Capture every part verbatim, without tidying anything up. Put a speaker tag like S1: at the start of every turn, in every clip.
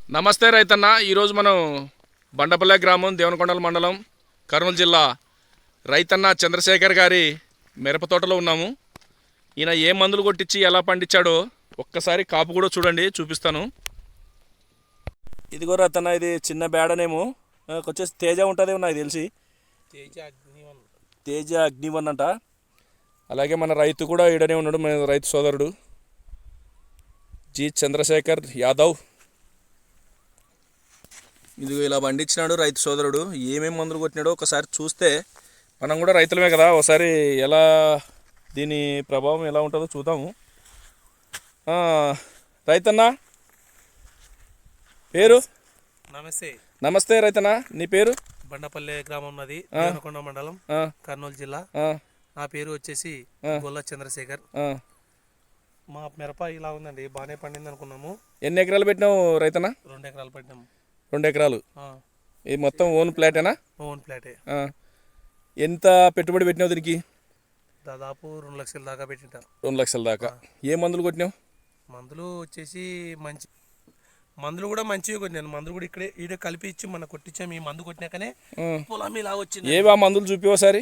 S1: నమస్తే రైతన్న. ఈరోజు మనం బండపల్లె గ్రామం, దేవనకొండల మండలం, కర్నూలు జిల్లా రైతన్న చంద్రశేఖర్ గారి మిరప తోటలో ఉన్నాము. ఈయన ఏ మందులు కొట్టించి ఎలా పండించాడో ఒక్కసారి కాపు కూడా చూడండి, చూపిస్తాను. ఇదిగో రైతన్న, ఇది చిన్న బేడనేమో వచ్చేసి తేజ ఉంటుంది నాకు తెలిసి,
S2: తేజ అగ్నివన్
S1: తేజ అగ్నివన్ అంట. అలాగే మన రైతు కూడా ఈడనే ఉన్నాడు, మన రైతు సోదరుడు జి చంద్రశేఖర్ యాదవ్. ఇదిగో ఇలా పండించినాడు రైతు సోదరుడు. ఏమేమి మందులు కొట్టినాడో ఒకసారి చూస్తే మనం కూడా రైతులమే కదా, ఒకసారి ఎలా దీని ప్రభావం ఎలా ఉంటుందో చూద్దాము. రైతన్న పేరు?
S2: నమస్తే.
S1: నమస్తే రైతన్న, నీ పేరు?
S2: బండపల్లె గ్రామం ఉన్నది, దేవనకొండ మండలం, కర్నూలు జిల్లా. నా పేరు వచ్చేసి గొల్ల చంద్రశేఖర్. మా మిరప ఇలా ఉందండి, బాగానే పండింది అనుకున్నాము.
S1: ఎన్ని ఎకరాలు పెట్టినావు రైతన్న?
S2: రెండు ఎకరాలు పెట్టినాము.
S1: రెండు ఎకరాలు ఇది మొత్తం ఓన్ ప్లాటేనా?
S2: ఓన్ ప్లాటే.
S1: ఎంత పెట్టుబడి పెట్టినావు దీనికి?
S2: దాదాపు రెండు లక్షల దాకా పెట్టింటా.
S1: రెండు లక్షల దాకా. ఏ మందులు కొట్టినావు?
S2: మందులు వచ్చేసి మంచి మందులు కూడా మంచివి కొట్టినాను. మందులు కూడా ఇక్కడే ఈడ కలిపి ఇచ్చి మన కొట్టించాము. ఈ మందు కొట్టినాకనే పొలం ఇలా వచ్చింది.
S1: ఏవా మందులు చూపి ఒకసారి.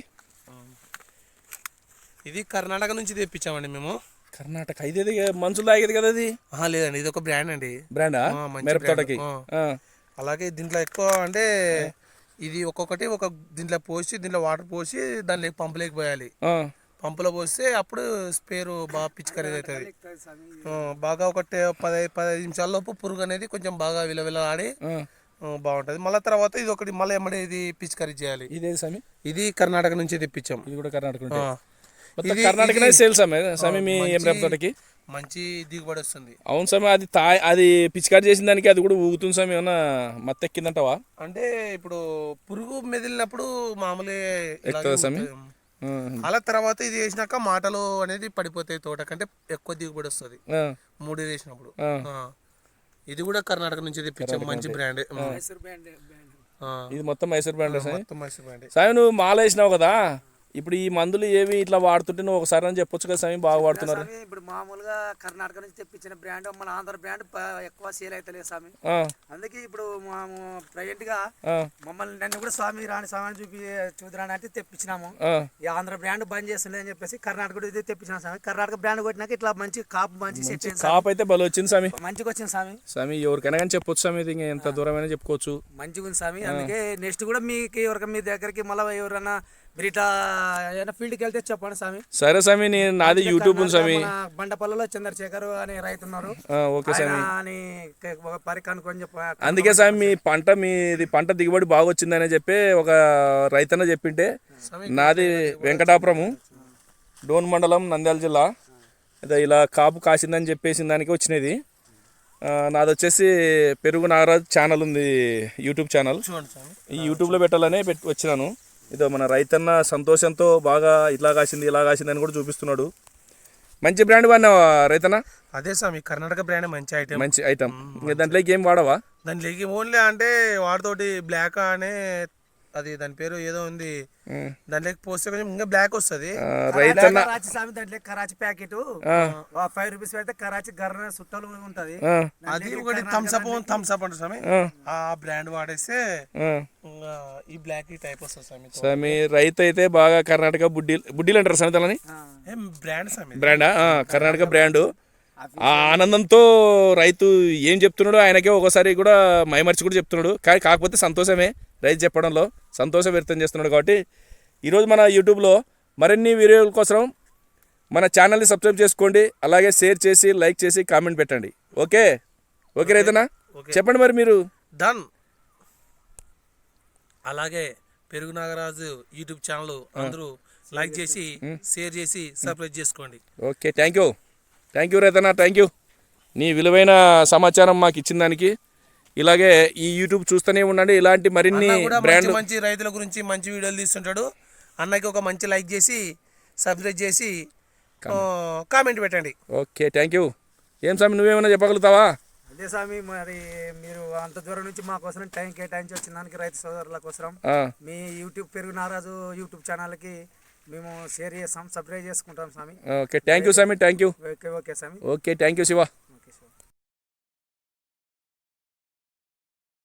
S2: ఇది కర్ణాటక నుంచి తెప్పించామండి మేము.
S1: కర్ణాటక? ఇదేది మంచులు తాగేది కదా అది?
S2: లేదండి, ఇది ఒక బ్రాండ్ అండి.
S1: బ్రాండా? మిరప తోటకి.
S2: అలాగే దీంట్లో ఎక్కువ అంటే ఇది ఒక్కొక్కటి ఒక దీంట్లో పోసి, దీంట్లో వాటర్ పోసి దాంట్లో పంపులోకి పోయాలి. పంపులో పోస్తే అప్పుడు స్పేరు బాగా పిచికారీ అవుతుంది. బాగా ఒకటి పదహైదు పదహైదు నిమిషాల లోపు పురుగు అనేది కొంచెం బాగా విలవిల ఆడి బాగుంటుంది. మళ్ళీ తర్వాత ఇది ఒకటి మళ్ళీ ఎమ్మడే ఇది పిచికారీ చేయాలి.
S1: ఇదే సమీ,
S2: ఇది కర్ణాటక నుంచి తెప్పించాం.
S1: ఇది కూడా కర్ణాటక. కర్ణాటక సేల్స్ సమీ మీ మిరప తోటకి
S2: మంచి దిగుబడి వస్తుంది.
S1: అవును సమీ, అది తా అది పిచికారి చేసిన దానికి అది కూడా ఊగుతుంది సమీ. ఏమన్నా మత్తు ఎక్కిందంటావా?
S2: అంటే ఇప్పుడు పురుగు మెదిలినప్పుడు
S1: మామూలుగా సమీ.
S2: అలా తర్వాత ఇది వేసినాక మాటలు అనేది పడిపోతాయి, తోట కంటే ఎక్కువ దిగుబడి వస్తుంది మూడు వేసినప్పుడు. ఇది కూడా కర్ణాటక నుంచి తెప్పించాం, మంచి బ్రాండ్.
S1: ఇది మొత్తం మైసూర్ బ్రాండ్.
S2: మొత్తం మైసూర్ బ్రాండ్.
S1: సాయి నువ్వు మాల వేసినావు కదా, ఇప్పుడు ఈ మందులు ఏవి ఇట్లా వాడుతుంటే నువ్వు ఒకసారి అని చెప్పొచ్చు కదా సమీ, బాగా వాడుతున్నారు.
S3: ఇప్పుడు మామూలుగా కర్ణాటక నుంచి తెప్పించిన బ్రాండ్ మన ఆంధ్ర బ్రాండ్ ఎక్కువ సేల్ అవుతలేదు స్వామి. అందుకే ఇప్పుడు మేము ప్రెజెంట్ గా మమ్మల్ని నన్ను కూడా స్వామి రాని స్వామి చూపి చూద్దాని అంటే తెప్పించినాము. ఈ ఆంధ్ర బ్రాండ్ బంద్ చేస్తుండే అని చెప్పేసి కర్ణాటక ఇది తెప్పించిన స్వామి. కర్ణాటక బ్రాండ్ కొట్టినాక ఇట్లా మంచి కాపు మంచి సెట్ అయింది.
S1: కాపు అయితే బలం వచ్చింది స్వామి, మంచిగా
S3: వచ్చింది స్వామి.
S1: స్వామి ఎవరికైనా కానీ చెప్పొచ్చు స్వామి, ఇది ఎంత దూరమైనా చెప్పుకోవచ్చు,
S3: మంచిగా ఉంది స్వామి. అందుకే నెక్స్ట్ కూడా మీకు ఎవరికి మీ దగ్గరికి మళ్ళీ ఎవరైనా మీరు ఇట్లా ఏదైనా ఫీల్డ్కి వెళ్తే చెప్పండి స్వామి.
S1: సరే స్వామి, నేను నాది యూట్యూబ్ ఉంది స్వామి.
S3: బండపల్లిలో చంద్రశేఖర్ అనే రైతు ఉన్నారు.
S1: ఓకే స్వామి,
S3: పరికనుకొని చెప్ప
S1: అందుకే స్వామి మీ పంట మీది పంట దిగుబడి బాగా వచ్చిందని చెప్పి ఒక రైతన్న చెప్పింటే, నాది వెంకటాపురము, డోన్ మండలం, నంద్యాల జిల్లా. అదే ఇలా కాపు కాసిందని చెప్పేసి దానికి వచ్చినది. నాది వచ్చేసి పెరుగు నాగరాజు ఛానల్ ఉంది, యూట్యూబ్ ఛానల్. ఈ యూట్యూబ్లో పెట్టాలనే పెట్టి వచ్చినాను. ఇదో మన రైతన్న సంతోషంతో బాగా ఇట్లా కాసింది ఇలా కాసింది అని కూడా చూపిస్తున్నాడు. మంచి బ్రాండ్ వాడినావా రైతన్న?
S2: అదే స్వామి, కర్ణాటక బ్రాండ్ మంచి ఐటమ్.
S1: మంచి ఐటమ్. ఇంకా దాంట్లోకి ఏం వాడవా?
S2: దాంట్లోకి ఓన్లీ అంటే వాడితోటి బ్లాక్ అనే అది దాని పేరు ఏదో ఉంది, దాంట్లోకి పోస్తే కొంచెం ఇంకా బ్లాక్ వస్తుంది.
S1: రైతన్న
S3: దాంట్లో కరాచీ ప్యాకెట్ ఫైవ్ రూపీస్ పెడితే కరాచీ గర్ర సుట్టలు ఉంటది.
S2: అది ఒకటి థమ్స్ అప్ థమ్స్ అప్ అంటే స్వామి, ఆ బ్రాండ్ వాడేస్తే ఈ బ్లాక్ ఈ టైప్ వస్తుంది స్వామి.
S1: స్వామి రైతు అయితే బాగా కర్ణాటక బుడ్డీ బుడ్డీలు అంటారు స్వామి దాని
S2: బ్రాండ్ స్వామి,
S1: బ్రాండా? కర్ణాటక బ్రాండ్. ఆ ఆనందంతో రైతు ఏం చెప్తున్నాడో ఆయనకే ఒకసారి కూడా మైమర్చి కూడా చెప్తున్నాడు. కానీ కాకపోతే సంతోషమే రైతు చెప్పడంలో, సంతోషం వ్యక్తం చేస్తున్నాడు. కాబట్టి ఈరోజు మన యూట్యూబ్లో మరిన్ని వీడియోల కోసం మన ఛానల్ని సబ్స్క్రైబ్ చేసుకోండి. అలాగే షేర్ చేసి లైక్ చేసి కామెంట్ పెట్టండి. ఓకే ఓకే రైతనా, చెప్పండి మరి మీరు.
S2: డన్. అలాగే పెరుగు నాగరాజు యూట్యూబ్ ఛానల్ అందరూ లైక్ చేసి షేర్ చేసి సబ్స్క్రైబ్ చేసుకోండి.
S1: Okay, thank you thank you రైతనా, థ్యాంక్ యూ నీ విలువైన సమాచారం మాకు ఇచ్చిన దానికి. ఇలాగే ఈ యూట్యూబ్ చూస్తూనే ఉండండి, ఇలాంటి మరిన్ని బ్రాండ్
S2: మంచి రైతుల గురించి మంచి వీడియోలు తీస్తుంటాడు. అన్నకి ఒక మంచి లైక్ చేసి సబ్స్క్రైబ్ చేసి కామెంట్ పెట్టండి.
S1: Okay, thank you. ఏం స్వామి నువ్వేమైనా చెప్పగలుగుతావా?
S3: అదే స్వామి, మరి మీరు అంత దూరం నుంచి మా కోసం టైం కేటాయించి వచ్చిన దానికి రైతు సోదరుల కోసం మీ యూట్యూబ్ పెరుగు నారాజు యూట్యూబ్ ఛానల్కి మేము షేర్ చేస్తాం, సబ్స్క్రైబ్ చేసుకుంటాం స్వామి.
S1: ఓకే, థ్యాంక్ యూ స్వామి, థ్యాంక్ యూ.
S3: ఓకే ఓకే స్వామి.
S1: Okay, thank you Shiva.